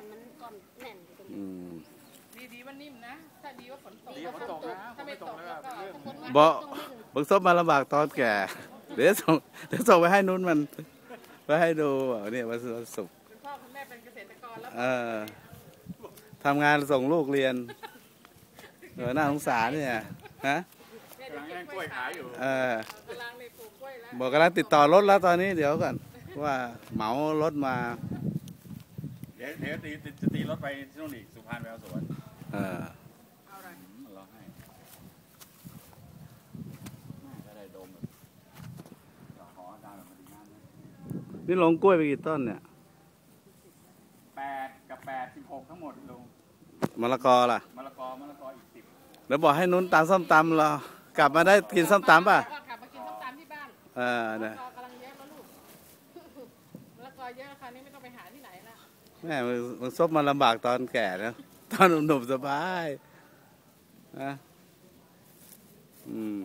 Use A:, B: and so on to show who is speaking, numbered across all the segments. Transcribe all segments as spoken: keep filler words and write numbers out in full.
A: อนมันก่อนแน่นอยู่ตรงนี้
B: ดีดีว่านิ่มนะถ้าดีว่าฝนตก
C: ดีฝนตกนะถ้าไม่ตกแล้วก็เรื่อง
D: บอกบังซบมาลำบากตอนแก่เดี๋ยวส่งเดี๋ยวส่งไปให้นุ่นมันไปให้ดูเนี่ยวันศุกร์
B: คุณพ่อคุณแม่เป็นเกษตรกรแล้ว
D: เออทำงานส่งลูกเรียนเออน่าสงสารเนี่ยฮะ
C: กำลังแย่งกล้วยขายอยู่
D: เออก
B: ำลังในปลูกกล้วยแล้ว
D: บอกกำลังติดต่อรถแล้วตอนนี้เดี๋ยวก่อนว่าเหมารถมา
C: เดี๋ยวเดี๋ยวตีจะตีรถไปที่นู่นอีกสุพรรณแววสวน
D: เออ
B: เอาอะไร
C: รอให้ก็ได้ดมแบบขออาจารย์แบบมาดีงาน
D: นี่ลงกล้วยไปกี่ต้นเนี่ย
C: แปดกับแปดสิบหกทั้งหมดลง
D: มะละกอล่ะ
C: มะละกอมะละกออีกสิบ
D: แล้วบอกให้นุ่นตามส้มตำเรากลับมาได้กินส้มตำป่ะ
B: กลับมากินส้มตำที่บ้าน
D: เออเนี่ย
B: กำลังเยอะแล้วลูกมะละกอเยอะคราวนี้ไม่ต้องไปหาที่ไหนละ
D: แม่มึงซบมาลำบากตอนแก่นะตอนหนุ่มๆสบายนะอืม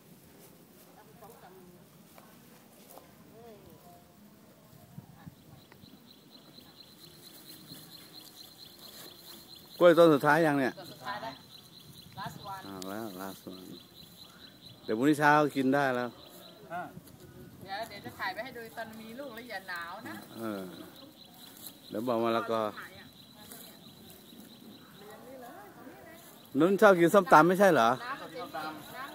D: กล้วยต้นสุดท้ายยังเนี่ย
B: สุดท้ายแล้ว last one
D: อ้าวแล้ว last one เดี๋ยวพรุ่งนี้เช้ากินได้แล้ว
B: เดี๋ยวเดี๋ยวจะถ่ายไปให้ดูตอนมีลูกแล้วอย่าหนาวนะ
D: เออเดี๋ยวบอกมาแล้วก็นุ่นชอบกินส้มตำไม่ใช่เหรอ
B: น้ำมันเป็นน้ำ